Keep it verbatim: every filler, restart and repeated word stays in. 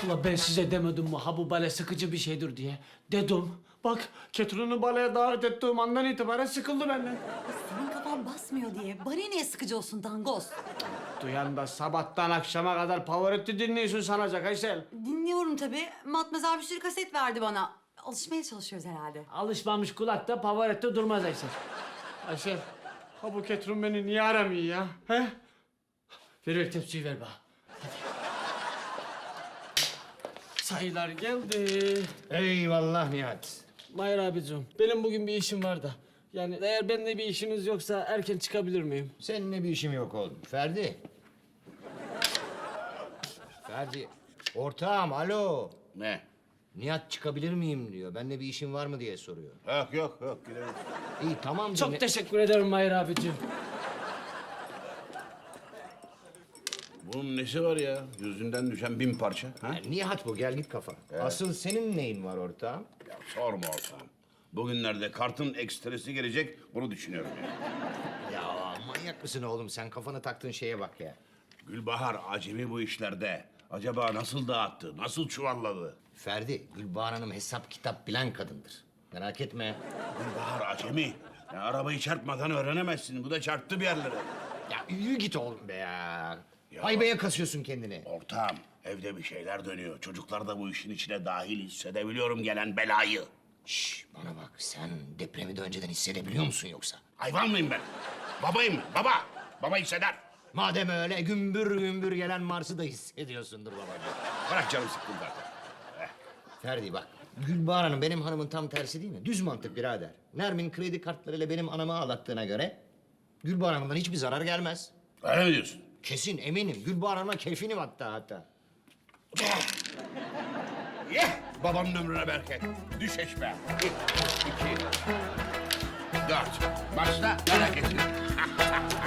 Ula ben size demedim mi ha bu bale sıkıcı bir şeydir diye. Dedim. Bak Ketrun'u baleye davet ettiğim andan itibaren sıkıldı benden. Senin kafan basmıyor diye. Bana niye sıkıcı olsun dangoz? Duyan da sabahtan akşama kadar Pavarotti dinliyorsun sanacak Aysel. Dinliyorum tabii. Matmazel bir sürü kaset verdi bana. Alışmaya çalışıyoruz herhalde. Alışmamış kulakta Pavarotti durmaz Aysel. Aysel, ha bu Ketrun beni niye aramıyor ya? He? Ver ver tepsiyi ver bana. Hadi. Sayılar geldi. Eyvallah Nihat. Mahir abicim, benim bugün bir işim var da. Yani eğer benimle bir işiniz yoksa erken çıkabilir miyim? Seninle bir işim yok oğlum. Ferdi. Ferdi. Ortağım alo. Ne? Nihat çıkabilir miyim diyor. Benimle bir işin var mı diye soruyor. Yok yok yok gidelim. İyi tamam. Çok dinle- teşekkür ederim Mahir abicim. Bunun nesi var ya? Yüzünden düşen bin parça. Ha? Ya, Nihat bu gel git kafa. Asıl senin neyin var ortağım? Ya sorma olsam. Bugünlerde kartın ekstresi gelecek, bunu düşünüyorum ya. Ya manyak mısın oğlum sen kafana taktığın şeye bak ya. Gülbahar acemi bu işlerde. Acaba nasıl dağıttı, nasıl çuvalladı? Ferdi, Gülbahar Hanım hesap kitap bilen kadındır. Merak etme. Gülbahar acemi. Ya arabayı çarpmadan öğrenemezsin. Bu da çarptı bir yerlere. Ya yürü git oğlum be ya. Ya. Haybeye kasıyorsun kendini. Ortağım, evde bir şeyler dönüyor. Çocuklar da bu işin içine dahil, hissedebiliyorum gelen belayı. Şş, bana bak sen depremi de önceden hissedebiliyor musun yoksa? Hayvan mıyım ben? Babayım ben, baba. Baba hisseder. Madem öyle gümbür gümbür gelen Mars'ı da hissediyorsundur babacığım. Bırak canım sıkkın zaten. Ferdi bak, Gülbahar Hanım benim hanımın tam tersi değil mi? Düz mantık birader. Nermin kredi kartlarıyla benim anamı ağlattığına göre... ...Gülbahar Hanım'dan hiçbir zarar gelmez. Öyle mi diyorsun? Kesin eminim. Gülbahar Hanım'a keyfinim hatta hatta. Yeh! Babanın ömrüne bereket. Düş eşme. Bir, iki, dört. Başla, merak etme.